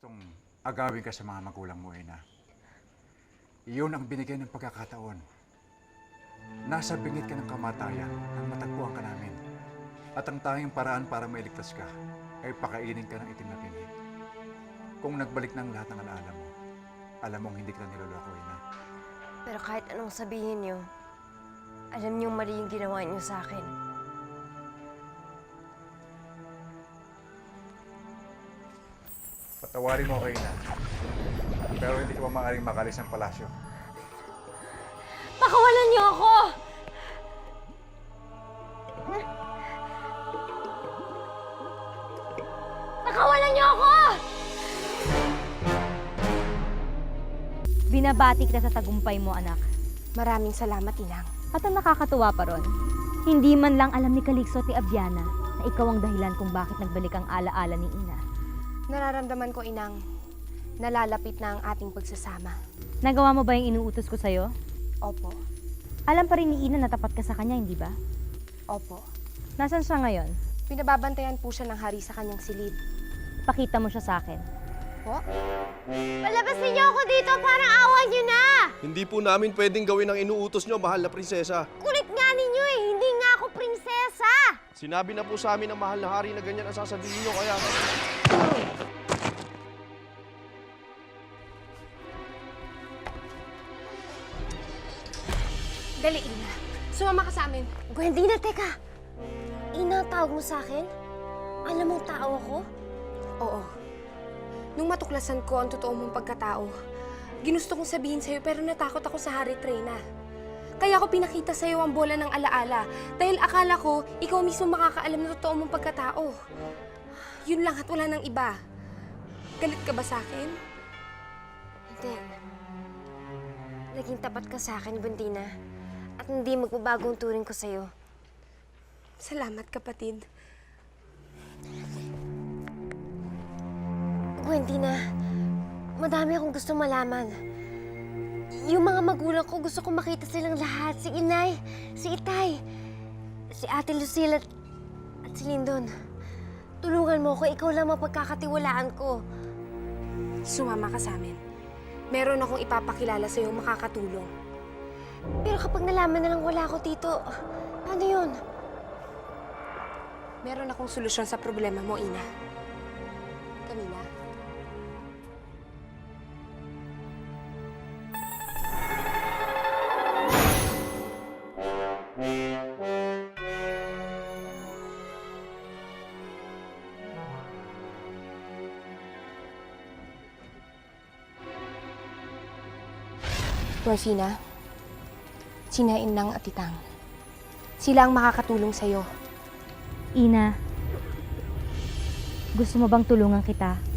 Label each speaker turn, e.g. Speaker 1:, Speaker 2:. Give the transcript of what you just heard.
Speaker 1: gustong agawin ka sa mga magulang mo, Ina. Iyon ang binigay ng pagkakataon. Nasa bingit ka ng kamatayan nang matagpuan ka namin. At ang tanging paraan para mailigtas ka ay pakainin ka ng itim na pinhit. Kung nagbalik ng lahat ng alaala mo, alam mong hindi ka niloloko, Ina.
Speaker 2: Pero kahit anong sabihin niyo, alam niyong mali yung ginawa niyo sa akin.
Speaker 1: Patawarin mo ako, Ina. Pero hindi ka pa maaaring makalis ng palasyo.
Speaker 2: Pakawalan niyo ako! Pakawalan niyo ako!
Speaker 3: Binabati kita sa tagumpay mo, anak.
Speaker 2: Maraming salamat, Inang.
Speaker 3: At ang nakakatuwa pa ron, hindi man lang alam ni Calixto at ni Aviana na ikaw ang dahilan kung bakit nagbalik ang alaala ni Ina.
Speaker 2: Nararamdaman ko, Inang, nalalapit na ang ating pagsasama.
Speaker 3: Nagawa mo ba yung inuutos ko sa'yo?
Speaker 2: Opo.
Speaker 3: Alam pa rin ni Ina na tapat ka sa kanya, hindi ba?
Speaker 2: Opo.
Speaker 3: Nasaan siya ngayon?
Speaker 2: Pinababantayan po siya ng hari sa kanyang silid.
Speaker 3: Pakita mo siya sa akin.
Speaker 2: Po? Palabasin niyo ako dito! Parang awan niyo na!
Speaker 4: Hindi po namin pwedeng gawin ang inuutos nyo, mahal na prinsesa.
Speaker 2: Kulit nga ninyo eh! Hindi nga ako prinsesa!
Speaker 4: Sinabi na po sa amin ng mahal na hari na ganyan ang sasabihin nyo, kaya...
Speaker 2: Dali, Ina. Sumama ka sa amin. Gwendina, teka! Ina, tawag mo sa akin? Alam mong tao ako? Oo. Nung matuklasan ko ang totoo mong pagkatao, ginusto kong sabihin sa'yo pero natakot ako sa Hari Treyna. Kaya ako pinakita sa'yo ang bola ng alaala dahil akala ko ikaw mismo makakaalam ng totoo mong pagkatao. Yun lang at wala nang iba. Galit ka ba sa akin? Hindi. Naging tapat ka sa akin, Gwendina. At hindi magbabago ang turing ko sa'yo. Salamat, kapatid. Gwendina, madami akong gusto malaman. Yung mga magulang ko, gusto kong makita silang lahat. Si Inay, si Itay, si Ate Lucille at si Lindon. Tulungan mo ko, ikaw lang mapagkakatiwalaan ko. Sumama ka sa amin. Meron akong ipapakilala sa'yo makakatulong. Pero kapag nalaman na lang wala ako dito, ano yun? Meron akong solusyon sa problema mo, Ina. Camila? Morfina, sina Inang at Titang. Sila ang makakatulong sa'yo.
Speaker 3: Ina, gusto mo bang tulungan kita?